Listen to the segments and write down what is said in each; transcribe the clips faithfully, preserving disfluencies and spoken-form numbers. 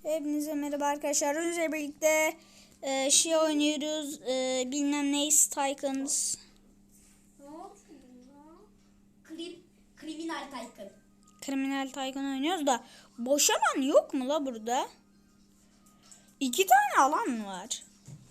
Hepinize merhaba arkadaşlar. Önce birlikte e, şey oynuyoruz. E, bilmem ne Tycoons. Ne oldu Krim, Kriminal Tycoon. Kriminal Tycoon oynuyoruz da boş alan yok mu la burada? İki tane alan var.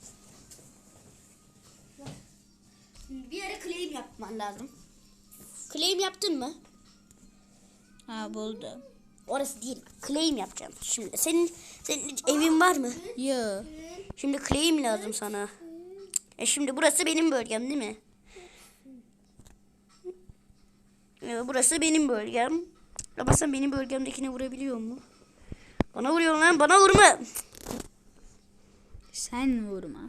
Bir yere claim yapman lazım. Claim yaptın mı? Ha buldum. Orası değil. Claim yapacağım. Şimdi senin senin hiç evin var mı? Yo. Şimdi claim lazım sana. E şimdi burası benim bölgem değil mi? E, burası benim bölgem. Ama sen benim bölgemdekine vurabiliyor mu? Bana vuruyor lan, bana vurma. Sen vurma.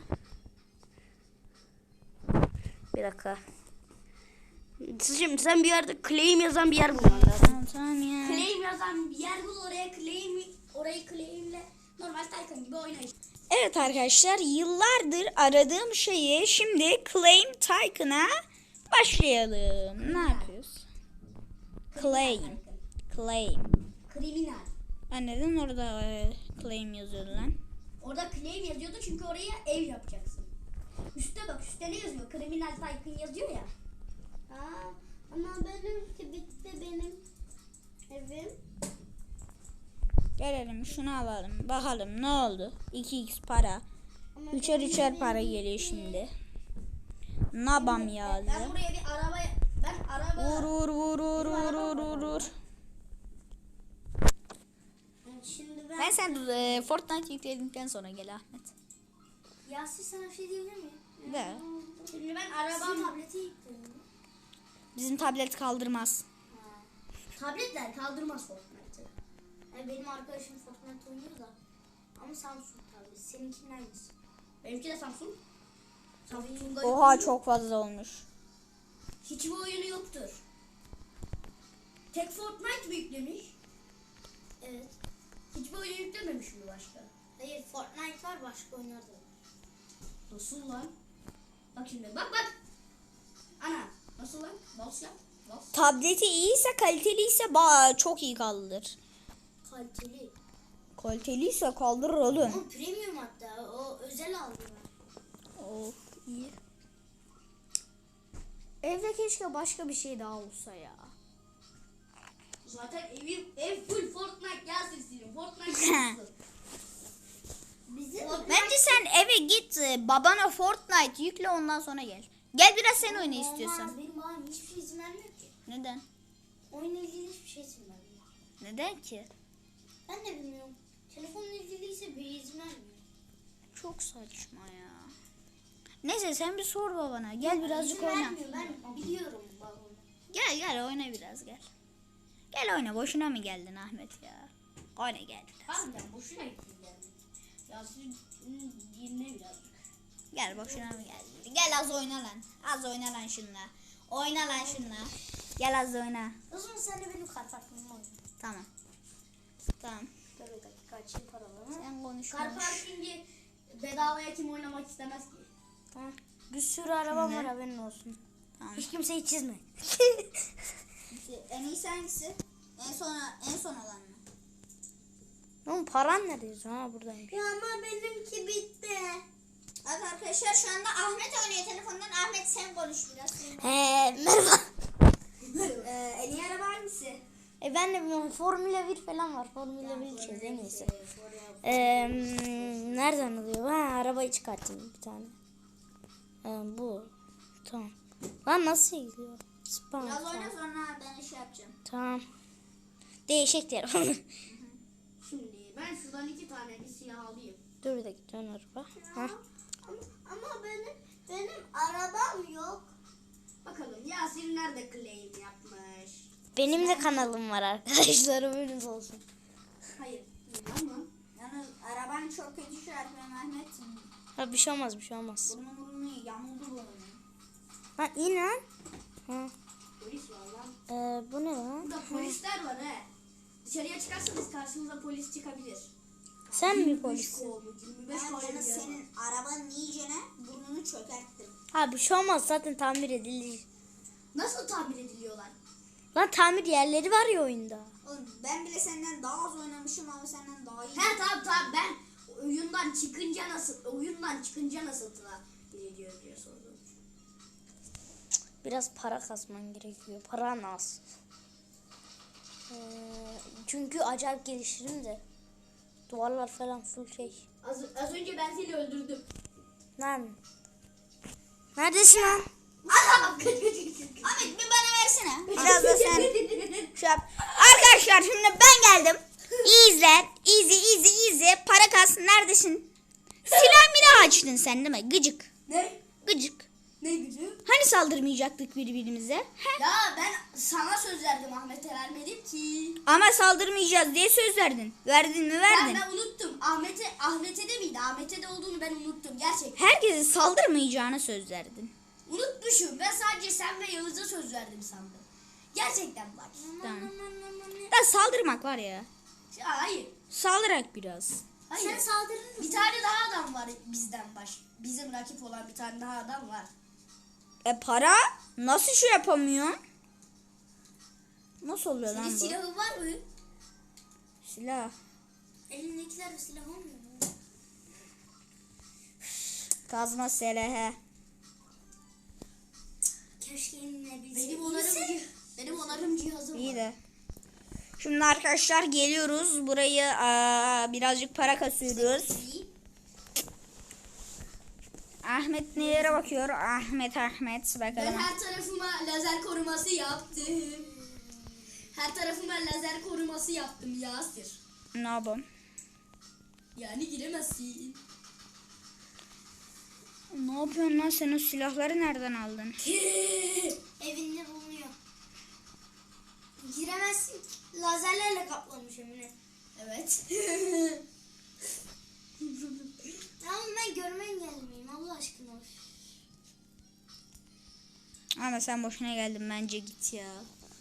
Bir dakika. Şimdi sen bir yerde claim yazan bir yer bulman lazım. Tamam tamam ya. Claim yazan bir yer bul, oraya claim, orayı claimle normal Tycoon gibi oyna işte. Evet arkadaşlar, yıllardır aradığım şeyi şimdi Claim Tycoon'a başlayalım. Ne yapıyoruz? Claim. Claim. Kriminal. Ha, neden orada e, claim yazıyordu lan? Orada claim yazıyordu çünkü oraya ev yapacaksın. Üste bak, üstte ne yazıyor? Kriminal Tycoon yazıyor ya. Aa, ama benimki bitti benim evim. Gelelim şunu alalım. Bakalım ne oldu? iki x para. Ama Üçer benim üçer evim para bitti. geliyor şimdi. Nabam yazdı. Ben buraya bir araba, ben araba... Vur vur vur vur vur vur vur. Şimdi ben, Ben sen e, Fortnite yükledikten sonra gel Ahmet. Yasin sana bir şey diyebilir miyim? De. Şimdi ben Sizin arabam... tableti yıktım. Bizim tablet kaldırmaz. Tabletler kaldırmaz Fortnite'ı. Yani benim arkadaşım Fortnite oynuyor da. Ama Samsung tableti. Seninkinin aynısı. Benimki de Samsung. Samsung'da Oha yok. çok fazla olmuş. Hiçbir oyunu yoktur. Tek Fortnite mi yüklemiş? Evet. Hiçbir oyun yüklememiş mi başka? Hayır, Fortnite var, başka oyunlar da var. Nasıl lan? Bak şimdi, bak bak. Ana, nasıl lan? Bas yap, bas. Tableti iyiyse, kaliteliyse ba çok iyi kaldırır. Kaliteli. Kaliteliyse kaldırır oğlum. O premium hatta. O özel aldım ben. Of iyi. Evde keşke başka bir şey daha olsa ya. Zaten ev, ev full Fortnite gelsin senin. Fortnite gelsin. Bizim Bence sen eve git, e, babana Fortnite yükle, ondan sonra gel. Gel biraz sen oyna Olmaz, istiyorsan. benim babam hiçbir şey izin vermiyor ki. Neden? Oyunla ilgili hiçbir şey izin vermiyor. Neden ki? Ben de bilmiyorum. Telefonla ilgiliyse bir izin vermiyor. Çok saçma ya. Neyse sen bir sor babana. Gel birazcık İzin oyna. vermiyor, ben biliyorum babamı. Gel gel oyna biraz gel. Gel oyna, boşuna mı geldin Ahmet ya? Oyna gel biraz. Harbiden boşuna gittin yani. Ya siz dinle birazcık. Gel boşuna mı geldin? Gel az oyna lan. Az oyna lan şunla. Oyna lan şunla. Gel az oyna. O zaman sen de benim kart farkımı oyna. Tamam. Tamam. Dur bir dakika, açayım paralarını. Sen konuş. Car konuş. parkingi bedavaya kim oynamak istemez ki? Tamam. Bir sürü araba Şimdi. var, haberin olsun. Tamam. Hiç kimseyi çizme. En iyisi hangisi? En son en son olan mı? Oğlum paran nerede? Ha, buradaymış. Ya ama benimki bitti. Evet arkadaşlar, şu anda Ahmet oynuyor telefondan. Ahmet sen konuş biraz. He, merhaba. ee, en iyi araba hangisi? E ben de bilmiyorum. Formula bir falan var. Formula bir içeceğiz en iyisi. Ee, nereden alıyor? Ha, arabayı çıkartayım bir tane. Ee, bu. Tamam. Lan nasıl gidiyor? Spam. Biraz Tamam. oyna, sonra ben iş yapacağım. Tamam. Değişik telefon. Şimdi ben şuradan iki tane bir siyah alayım. Dur bir dakika, dön araba. Ha. Ama, ama benim benim arabam yok. Bakalım Yasir nerede claim yapmış? Benim de kanalım var arkadaşlar. Haberiniz olsun. Hayır. Ama Yalnız araban çok kötü şu an Ahmet. Ha, bir şey olmaz, bir şey olmaz. Burnu burnu yamuldu burnu. Ha, in lan. Ha. polis var lan. Ee, bu ne lan? Burada polisler var he. Dışarıya çıkarsanız karşınıza polis çıkabilir. Sen mi yirmi beş polissin? kovmuş, yirmi beş Ben kovmuş sana ya. senin arabanın iyicene burnunu çökerttim. Ha, bir şey olmaz, zaten tamir edilir. Nasıl tamir ediliyorlar? Lan tamir yerleri var ya oyunda. Oğlum ben bile senden daha az oynamışım ama senden daha iyi. He tamam tamam ben oyundan çıkınca nasıl oyundan çıkınca nasıl tıra gidiyor diye sordum. Biraz para kasman gerekiyor. Paran az. Ee, çünkü acayip geliştirim de. Duvarlar falan full şey. Az, az önce ben seni öldürdüm. Lan. Neredesin lan? Aha! Kaç kaç kaç kaç. Ahmet bir bana versene. Biraz da sen. Şey yap. Arkadaşlar şimdi ben geldim. İyi izle. Easy easy easy. Para kalsın neredesin? Silah mila açtın sen değil mi? Gıcık. Ne? Gıcık. Ne gücü? Hani saldırmayacaktık birbirimize? He? Ya ben sana söz verdim Ahmet'e vermedim ki. Ama saldırmayacağız diye söz verdin. Verdin mi Ben, verdin. ben unuttum. Ahmet'e Ahmet'e de miydi? Ahmet'e de olduğunu ben unuttum gerçekten. Herkese saldırmayacağına söz verdin. Unutmuşum. Ben sadece sen ve Yağız'a söz verdim sandım. Gerçekten bak. Tamam. Da saldırmak var ya. Ya, hayır. Saldırak biraz. Hayır. Sen saldırır mısın? Bir tane daha adam var bizden baş. Bizim rakip olan bir tane daha adam var. E para? Nasıl şey yapamıyorsun? Nasıl oluyor Senin lan bu? silahın var mı? Silah. Elindekiler silah olmuyor mu? Kazma selehe. Keşke elinle Benim onarım, cih- benim onarım cihazım İyi var. de. Şimdi arkadaşlar geliyoruz. Burayı aa, birazcık para kasıyoruz. Ahmet nelere bakıyor? Ahmet Ahmet Ben bakalım. her tarafıma lazer koruması yaptım. Her tarafıma lazer koruması yaptım Yasir. Ne yapalım? Yani giremezsin. Ne yapıyorsun lan sen o silahları nereden aldın? Evinde bulunuyor. Giremezsin. Lazerlerle kaplamış Emine. Evet. Tamam ben görme engelliyim Allah aşkına. Ama sen boşuna geldin bence git ya.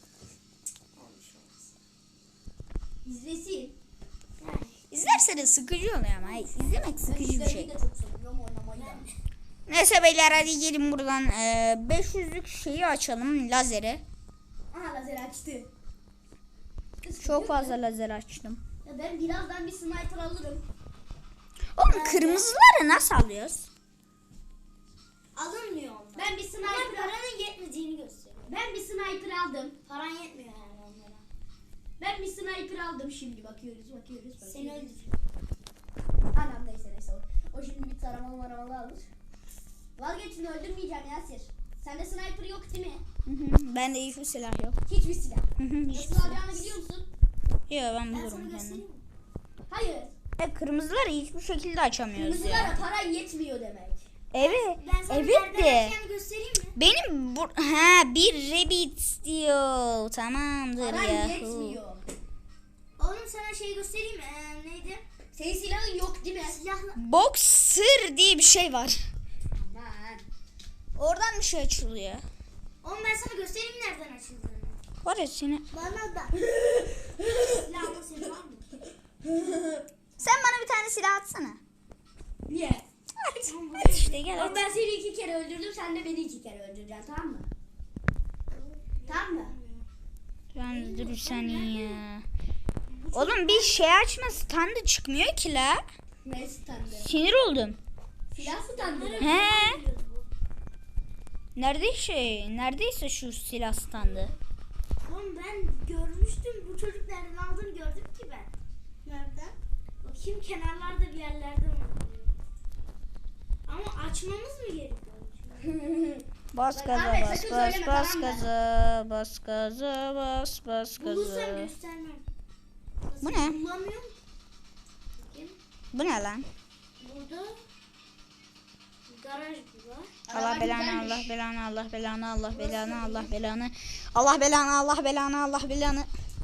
İzlesin. Yani. İzlerse de sıkıcı oluyor ama. İzlemek sıkıcı bir şey. Ben de çok seviyorum oynamayı da. Neyse beyler hadi gelin buradan e, beş yüzlük şeyi açalım lazeri. Aha lazer açtı. Çok fazla lazer açtım. Ya ben birazdan bir sniper alırım. Oğlum kırmızıları nasıl alıyoruz? Alınmıyor onlar. Ben bir Ama sniper paranın yetmediğini gösteriyor. Ben bir sniper aldım. Paran yetmiyor yani onlara. Ben bir sniper aldım şimdi bakıyoruz bakıyoruz bakıyoruz. Seni öldürüyor. Anam neyse neyse o, o şimdi bir taramalı maramalı alır. Vazgeçin öldürmeyeceğim Yasir. Sende sniper yok değil mi? Hı hı, bende hiçbir silah yok. Hiçbir silah. Hı hı, hiçbir Nasıl silah. alacağını biliyor musun? Yok ben Ben sana bulurum kendim. göstereyim mi? Hayır. E, kırmızıları hiçbir şekilde açamıyoruz Kırmızılara ya. para yetmiyor demek. Evet. Ben sana Evet nereden de. açacağını göstereyim mi? Benim bu ha bir rabbit diyor. Tamamdır Para ya. yetmiyor. Oğlum sana şey göstereyim mi? Ee, neydi? Senin silahın yok değil mi? Silahla. Boxer diye bir şey var. Aman. Oradan bir şey açılıyor. Oğlum ben sana göstereyim nereden açıldığını. Var ya seni. Bana da. Silahla senin var mı? Sen bana bir tane silah atsana. Niye? At. At işte gel Oğlum at. ben seni iki kere öldürdüm, sen de beni iki kere öldüreceksin, tamam mı? Tamam mı? Ben dur bir saniye ya. Oğlum bir şey açma standı çıkmıyor ki la. Ne standı? Sinir oldum. Silah standı. He. Nerede şey? Neredeyse şu silah standı. Oğlum ben görmüştüm. Bu çocuk nereden aldığını gördüm ki ben. Nereden? Bakayım kenarlarda bir yerlerde oluyor. Ama açmamız mı gerekiyor? Bas Bak gaza Ahmet, bas sakın bas söyleme, bas tamam mı? gaza bas gaza bas bas Bulursam gaza. göstermem. Bu ne? Bulamıyorum. Bakayım. Bu ne lan? Burada garaj var. Allah Araba belanı güzelmiş. Allah belanı Allah belanı Allah belanı Allah belanı Allah belanı Allah belanı Allah belanı.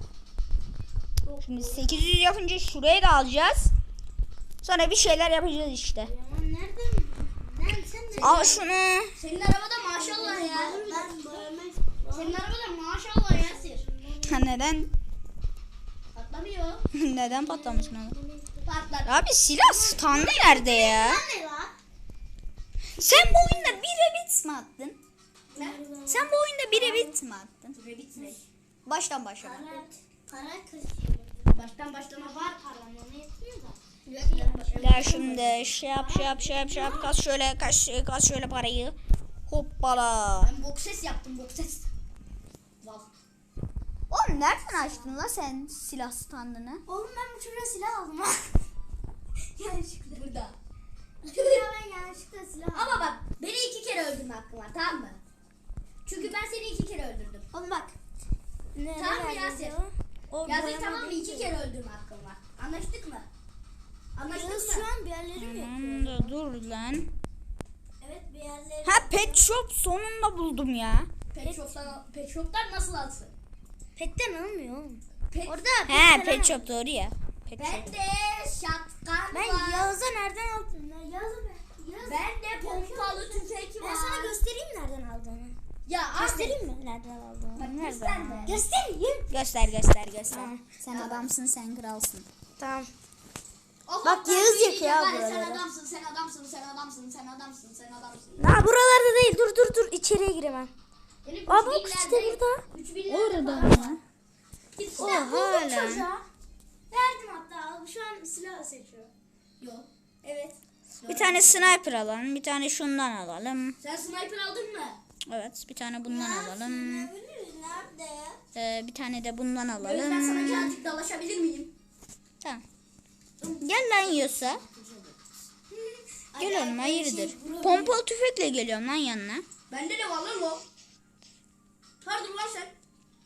Şimdi sekiz yüz yapınca şuraya da alacağız. Sonra bir şeyler yapacağız işte. Yaman nereden? Nereden sen de? Al şunu. Senin arabada maşallah ya. Ben görmek. Senin arabada maşallah Yasir. Neden? Patlamıyor. Neden patlamasın abi? Patlar. Abi silah standı nerede ya? Ne var? Sen bu oyunda bir rabbit mi attın? Ne? Sen bu oyunda bir rabbit mi attın? Rabbit ne? Baştan başla. Evet. Para kırışıyor. Baştan başlama var param onu yetmiyor da. Gel şimdi şey yap şey yap şey yap şey yap. Kas şöyle kas, kas şöyle parayı. Hoppala. Ben boks ses yaptım boks ses. Vav. Oğlum nereden açtın la sen silah standını? Oğlum ben bu çocuğa silah aldım ha. Yanlışlıkla. Burada. Çocuğa ben yanlışlıkla silah aldım. Ama bak beni iki kere öldürme hakkın var tamam mı? Çünkü ben seni iki kere öldürdüm. Oğlum bak. Ne, Tamam mı Yasir? Yasir tamam mı? İki kere öldürme hakkın var. Anlaştık mı? Anlaştık mı? Şu an bir yerlerim yok. Tamam da dur lan. Evet bir yerleri. Ha pet shop sonunda buldum ya. Pet shop'tan, pet shop'tan nasıl alsın? Petten almıyor oğlum. Pet, Orada He petten pet shop doğru ya. Pet shop. ben de şapkan Ben var. Yağız'a nereden aldım? Ben Yağız'a ben. Yağız. Ben de pompalı tüfek var. Ben sana göstereyim nereden aldığını. Ya abi. Göstereyim mi nereden aldığını? Bak Nereden göster de. Göstereyim. Göster göster göster. Tamam. Sen adamsın sen kralsın. Tamam. O Bak, kadar Yağız değil yakıyor ya, abi bari Sen oraları. adamsın, sen adamsın, sen adamsın, sen adamsın, sen adamsın. Ha buralarda değil. Dur dur dur. İçeriye giremem. Benim Aa üç bak işte binlerde- burada. üç binlerde Orada para mı? var. Git O silah buldum hala. çocuğa. Verdim hatta. Şu an silah seçiyor. Yok. Evet. Bir tane sniper alalım. Bir tane şundan alalım. Sen sniper aldın mı? Evet bir tane bundan alalım. Nerede? Ee, bir tane de bundan Özlem sana alalım. birazcık dalaşabilir miyim? Tamam. Gel lan yiyorsa. Gel oğlum hayırdır. Pompalı tüfekle geliyorum lan yanına. Bende de var lan o. Pardon lan sen.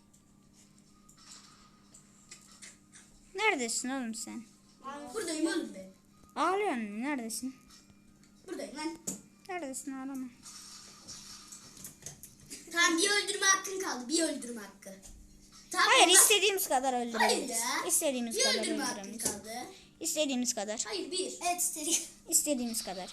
Neredesin oğlum sen? Buradayım oğlum ben. Ağlıyorsun mu? Neredesin? Buradayım lan. Neredesin ağlama. Tamam bir öldürme hakkın kaldı. Bir öldürme hakkı. Tamam, Hayır ondan- istediğimiz kadar Hayır öldürebiliriz. ya. İstediğimiz Bir kadar öldürme hakkın öldürebiliriz. kaldı. İstediğimiz kadar. Hayır bir. Evet istedik. İstediğimiz kadar.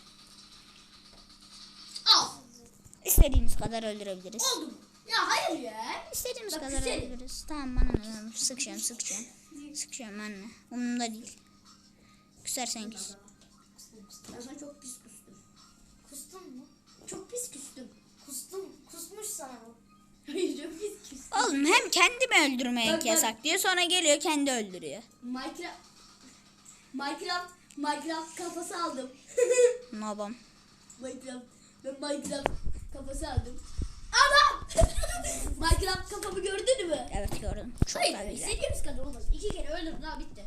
Al. İstediğimiz kadar öldürebiliriz. Oldu mu? Ya hayır ya. İstediğimiz Bak, kadar güzel. öldürürüz. Tamam bana ne? Sıkacağım sıkacağım. Sıkacağım anne. Umurumda değil. Küsersen küs. Ben sana çok pis küstüm. Kustun mu? Çok pis küstüm. Kustum. Kusmuş sana bu. Hayır çok pis küstüm. Oğlum hem kendimi öldürmek Bak, bak. yasak diyor sonra geliyor kendi öldürüyor. Minecraft Minecraft Minecraft kafası aldım. Ne yapalım? Minecraft ben Minecraft kafası aldım. Adam! Minecraft kafamı gördün mü? Evet gördüm. Çok da Hayır, güzel. istediğimiz kadar olmaz. İki kere öldürdün daha bitti.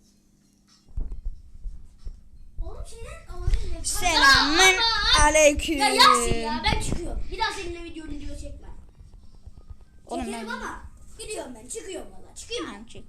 Oğlum şeyden alalım. Selamün aleyküm. Ya Yasin ya ben çıkıyorum. Bir daha seninle video video çekmem. Oğlum Çekerim ben- ama gidiyorum ben. Çıkıyorum valla. Çıkayım mı? Tamam çık.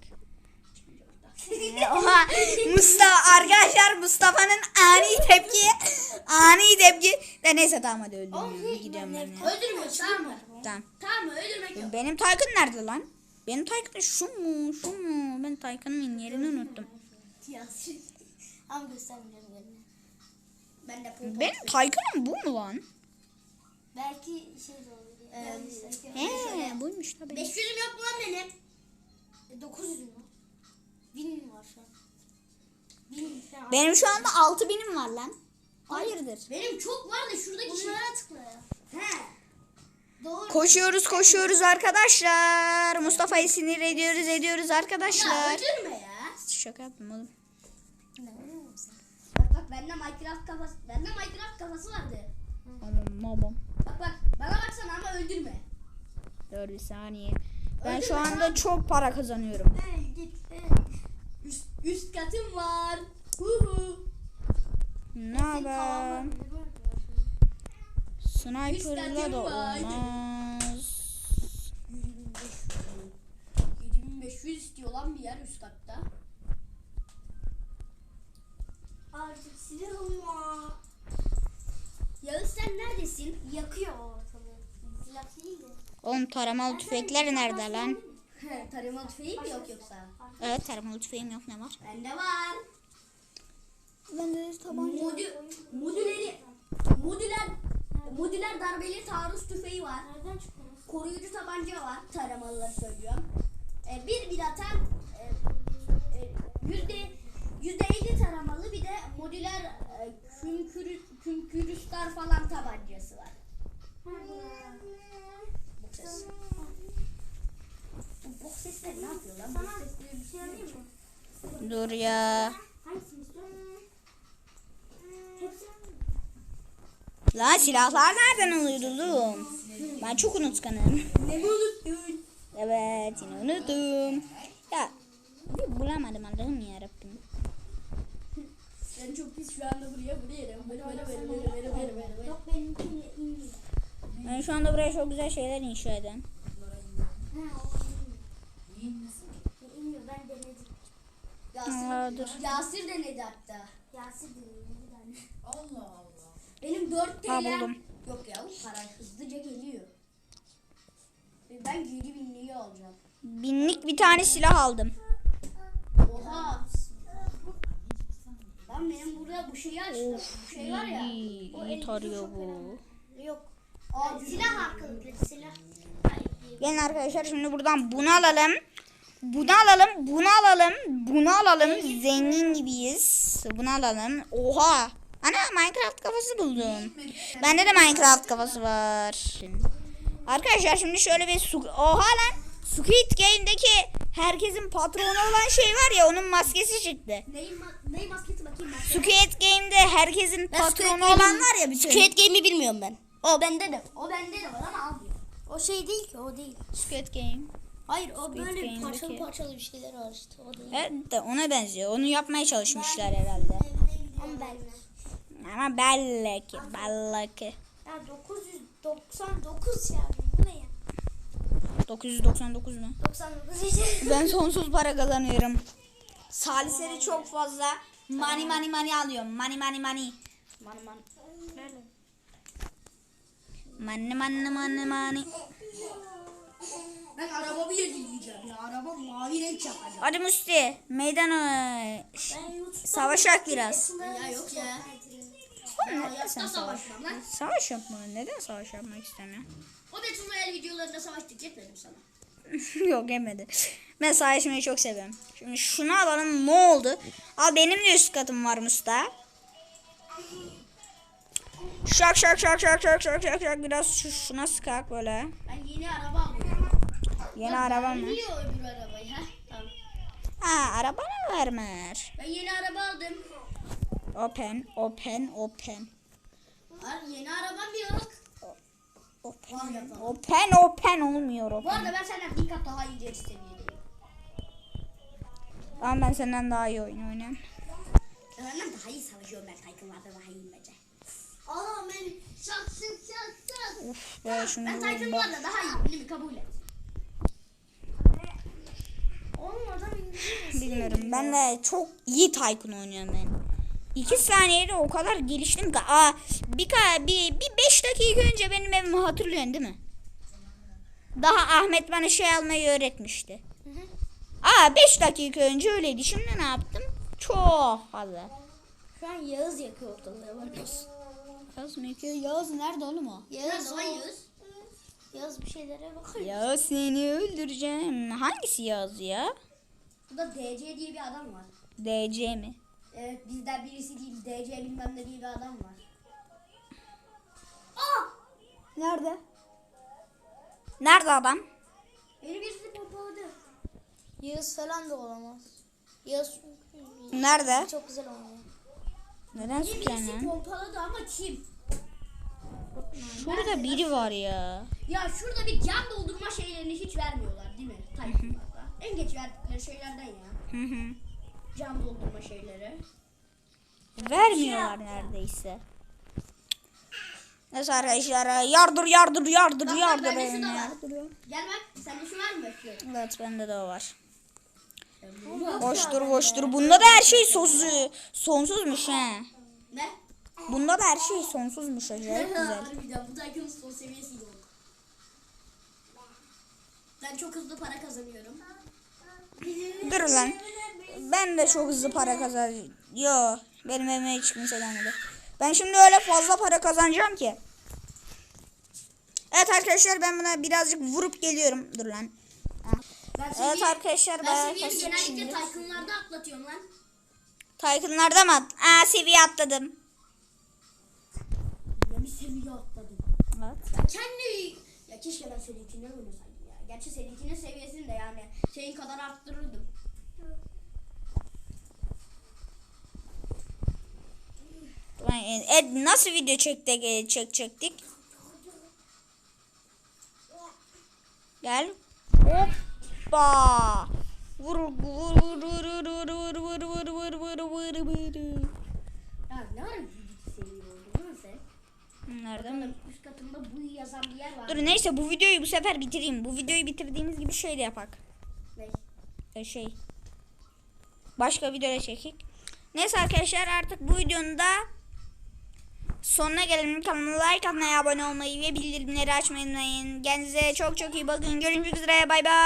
Oha Mustafa arkadaşlar Mustafa'nın ani tepki ani tepki de neyse tamam hadi öldürmüyorum gidiyorum ben ya. Öldürmüyor tamam mı? Tamam. Tamam mı? Öldürmek yok. Benim Taycan nerede lan? Benim Taycan şu mu şu mu? Ben Taycan'ın yerini unuttum. Yasin. Ama göstermeyeceğim yerini. Ben de pompalı. Benim Taycan'ım bu mu lan? Belki şey de olur. Ee, He buymuş tabii. beş yüzüm yok mu lan benim? E, dokuz yüzüm var. bin var şu an. bin falan. Benim şu anda altı binim var lan. Hayırdır? Benim çok var da şuradaki bunlara tıkla ya. He. Doğru. Koşuyoruz koşuyoruz arkadaşlar. Mustafa'yı sinir ediyoruz ediyoruz Ya arkadaşlar. öldürme ya. Şaka yaptım oğlum. Bak bak bende Minecraft kafası. Bende Minecraft kafası vardı. Aman babam. Bak bak bana baksana ama öldürme. Dur bir saniye. Ben Öldürme şu anda lan. çok para kazanıyorum. Hey git hey. Üst, üst katım var. Hu hu. Ne haber? Sniper'la da olmaz. yedi bin beş yüz istiyor lan bir yer üst katta. Artık silahım var. Yağız sen neredesin? Yakıyor ortalığı. Silah değil de. Oğlum taramalı tüfekler nerede lan? He, tarımalı tüfeği mi yok yoksa? Evet taramalı tüfeğim yok ne var? Bende var. Bende de Modü, modüleri, modüler, modüler darbeli taarruz tüfeği var. Koruyucu tabanca var. Taramalıları söylüyorum. Ee, bir bir atan e, e, yüzde yüzde elli taramalı bir de modüler e, künkürü, künkürüstar falan tabancası var. Bu ses. Bu bok sesleri ne yapıyor lan? Bok sesleri bir şey alayım mı? Dur ya. Hangisini istiyorsun? Hepsi. Lan silahlar nereden alıyordu oğlum? Ben çok unutkanım. Ne mi unuttun? Evet yine unuttum. Ya bir bulamadım Allah'ım yarabbim. Ben çok pis şu anda buraya buraya. Böyle böyle böyle böyle böyle böyle böyle. Yok benimkiyle inmiyor. Ben şu anda buraya çok güzel şeyler inşa eden. Ha o inmiyor. İnmiyor ben denedim. Aa, dur. Yasir denedi hatta. Yasir denedi bir tane. Allah Allah. Benim dört Ha, T L'm. buldum. Yok ya bu para hızlıca geliyor. Ben geri binliği alacağım. Binlik bir tane silah aldım. Oha. Lan benim burada bu şeyi açtım. Bu şey var ya. İyi, iyi tarıyor bu. Yok. Aa, Silah hakkında silah. Gelin arkadaşlar şimdi buradan bunu alalım. Bunu alalım, bunu alalım, bunu alalım. Zengin gibiyiz. Bunu alalım. Oha. Ana Minecraft kafası buldum. Bende de Minecraft kafası var. Arkadaşlar şimdi şöyle bir su... Oha lan. Squid Game'deki herkesin patronu olan şey var ya onun maskesi çıktı. Neyin, ma- neyin maskesi bakayım ben. Squid Game'de herkesin patronu olan var ya bütün. Squid Game'i bilmiyorum ben. O bende de. O bende de var ama almıyor. O şey değil ki o değil. Squid Game. Hayır o Squid böyle Game'deki- parçalı parçalı bir şeyler var işte o değil. Evet de ona benziyor. Onu yapmaya çalışmışlar herhalde. Ama ben. Ama belki, belki. Ya dokuz yüz doksan dokuz ya bu ne ya? dokuz yüz doksan dokuz mu? doksan dokuz işte. Ben sonsuz para kazanıyorum. Salisleri çok fazla. Money money money alıyorum. Money money money. Man man. Nerede? Money money money money. Ben arabamı yenileyeceğim ya. Araba mavi renk yapacağım. Hadi Musti meydan Ben YouTube'da savaşak biraz. Ya yok ya. Oğlum neden sen Hayatta savaş? savaşmam lan. Savaş yapma. Neden savaş yapmak istemiyorsun? O Battle Royale videolarında savaştık yetmedim sana. Yok yemedi. Ben savaşmayı çok seviyorum. Şimdi şunu alalım ne oldu? Al benim de üst katım var Musta. Şak şak şak şak şak şak şak şak biraz şu, şuna sıkak böyle. Ben yeni araba alıyorum. Yeni araba mı? Niye öbür arabayı ha? Tamam. Ha araba mı vermer? Ben yeni araba aldım. Open open open. Var yeni arabam yok. Open Var yapalım. open open olmuyor Bu open. arada ben senden bir kat daha iyi seviyedeyim. Ama ben senden daha iyi oyun oynuyorum. Senden daha iyi savaşıyorum ben. Tycoon'larda daha iyiyim bence. Aa ben şaksın şaksın. Uf be şunu Ben bak. Tycoon'larda daha iyiyim. Beni bir kabul et. Oğlum adam İngilizce. Bilmiyorum ben de çok iyi Tycoon oynuyorum ben. İki saniyede o kadar geliştim ki. Aa, bir, ka- bir, bir beş dakika önce benim evimi hatırlıyorsun değil mi? Daha Ahmet bana şey almayı öğretmişti. Aa beş dakika önce öyleydi. Şimdi ne yaptım? Çok fazla. Şu an Yağız yakıyor ortalığı bakıyorsun. Yağız mı yakıyor? Yağız nerede oğlum o? Yağız o. Yağız. Yağız bir şeylere bakıyor. Ya seni öldüreceğim. Hangisi Yağız ya? Burada D C diye bir adam var. D C mi? Evet bizden birisi değil. D C bilmem ne diye bir adam var. Aa! Nerede? Nerede adam? Beni birisi pompaladı. Yağız falan da olamaz. Yağız Nerede? çok güzel oynuyor. Neden Beni sıkıyorsun birisi lan? pompaladı ama kim? Şurada biri var ya. Ya şurada bir can doldurma şeylerini hiç vermiyorlar değil mi? Tycoon'larda. En geç verdikleri şeylerden ya. Hı hı. Can doldurma şeyleri. Vermiyorlar neredeyse. Neyse arkadaşlar yardır yardır yardır Bak, bak, yardır. bende şu beni da var. yardırıyor. Gel bak sende şu var mı bakıyorum. Evet bende de o var. Boş. Boştur boştur. Bunda da her şey sonsuz, sonsuzmuş he. Ne? Bunda da her şey sonsuzmuş acayip güzel. Harbiden bu Tycoon'un son seviyesi yok. Ben çok hızlı para kazanıyorum. Dur lan. Ben de çok hızlı para kazanıyorum. Yo benim evime hiç kimse gelmedi. Ben şimdi öyle fazla para kazanacağım ki. Evet arkadaşlar ben buna birazcık vurup geliyorum. Dur lan. Ben Evet arkadaşlar ben bayağı seviyeyi kasık genellikle şimdi. Tycoon'larda atlatıyorum lan. Tycoon'larda mı? at- Aa seviye atladım. Ya bir seviye atladım. Evet. Ya kendi... Ya keşke ben seninkinden oynasaydım ya. Gerçi seninkinin seviyesinde yani. Senin kadar arttırırdım. Ulan, e, nasıl video çektik, çekecektik? Gel. Hoppa. Vur vur vur vur vur vur vur vur vur vur vur vur. Ya ne ara yüzüncü seviye oldu lan sen? Nereden? Bakalım üst katında bu yazan bir yer var. Dur neyse bu videoyu bu sefer bitireyim. Bu videoyu bitirdiğimiz gibi şey de yapak. Ne? E, şey. Başka videoda çekik. Neyse arkadaşlar artık bu videonun da sonuna gelelim. Kanalıma like atmayı, abone olmayı ve bildirimleri açmayı unutmayın. Kendinize çok çok iyi bakın. Görüşmek üzere. Bay bay.